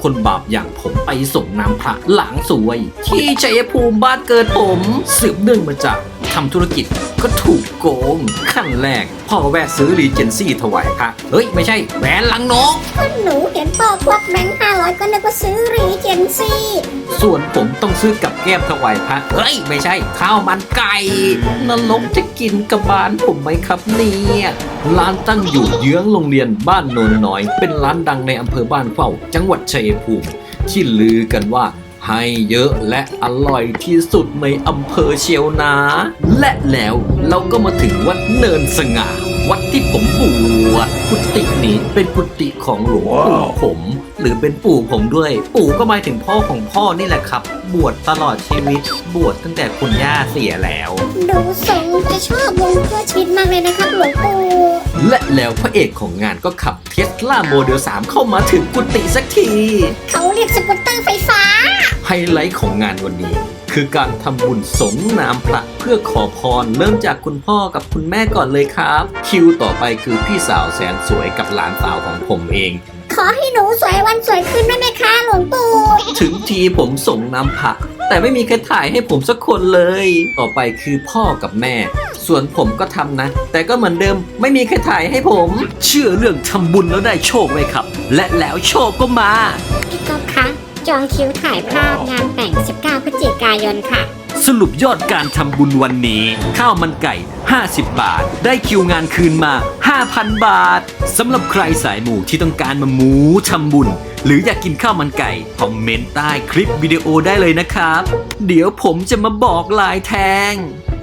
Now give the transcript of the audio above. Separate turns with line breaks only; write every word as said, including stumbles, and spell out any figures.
คนบาปอย่างผมไปส่งน้ำพระหลังสวย ที่ชัยภูมิบ้านเกิดผมสืบเนื่องมาจากทำธุรกิจก็ถูกโกงขั้นแรกพ่อแวะซื้อรีเจนซี่ถวายพระเฮ้ยไม่ใช่แหวนลังนก
ก็หนูเห็นพ่อควักแบงค์ห้าร้อยก็นึกว่าซื้อรีเจนซี่
ส่วนผมต้องซื้อกับแก้มถวายพระเฮ้ยไม่ใช่ข้าวมันไก่นรกจะกินกับบ้านผมไหมครับเนี่ยร้านตั้งอยู่เยื้องโรงเรียนบ้านโนนน้อยเป็นร้านดังในอำเภอบ้านเข้าจังหวัดชัยภูมิที่ลือกันว่าให้เยอะและอร่อยที่สุดในอำเภอเชียวนาและแล้วเราก็มาถึงวัดเนินสง่าวัดที่ผมบวชกุฏินี้เป็นกุฏิของหลวงปู่ผม หรือเป็นปู่ผมด้วยปู่ก็หมายถึงพ่อของพ่อนี่แหละครับบวชตลอดชีวิตบวชตั้งแต่คุณย่าเสียแล้ว
ดูทรงจะชอบวงเพื่อชีวิตมากเลยนะครับหลวงปู่
และแล้วพระเอกของงานก็ขับเทสลาโมเดลสามเข้ามาถึงกุฏิสักที
เขาเรียกสกูตเตอร์ไฟฟ้า
ไฮไลท์ของงานวันนี้ คือการทำบุญสงน้ำพระเพื่อขอพรเริ่มจากคุณพ่อกับคุณแม่ก่อนเลยครับ คิวต่อไปคือพี่สาวแสนสวยกับหลานสาวของผมเอง
ขอให้หนูสวยวันสวยขึ้นได้ไหมคะหลวงปู่
ถึงทีผมส่งน้ำพระแต่ไม่มีใครถ่ายให้ผมสักคนเลย ต่อไปคือพ่อกับแม่ ส่วนผมก็ทำนะ แต่ก็เหมือนเดิมไม่มีใครถ่ายให้ผม เชื่อเรื่องทำบุญแล้วได้โชคไหมครับ และแล้วโชคก็มา
พี่ก๊อฟคะจองคิวถ่ายภาพงานแต่งสิบเก้าพฤศจิกายนค่ะ
สรุปยอดการทำบุญวันนี้ ข้าวมันไก่ ห้าสิบบาท ได้คิวงานคืนมา ห้าพัน บาท สำหรับใครสายหมู่ที่ต้องการมาหมูทำบุญ หรืออยากกินข้าวมันไก่ คอมเมนต์ใต้คลิปวิดีโอได้เลยนะครับ เดี๋ยวผมจะมาบอกลายแทง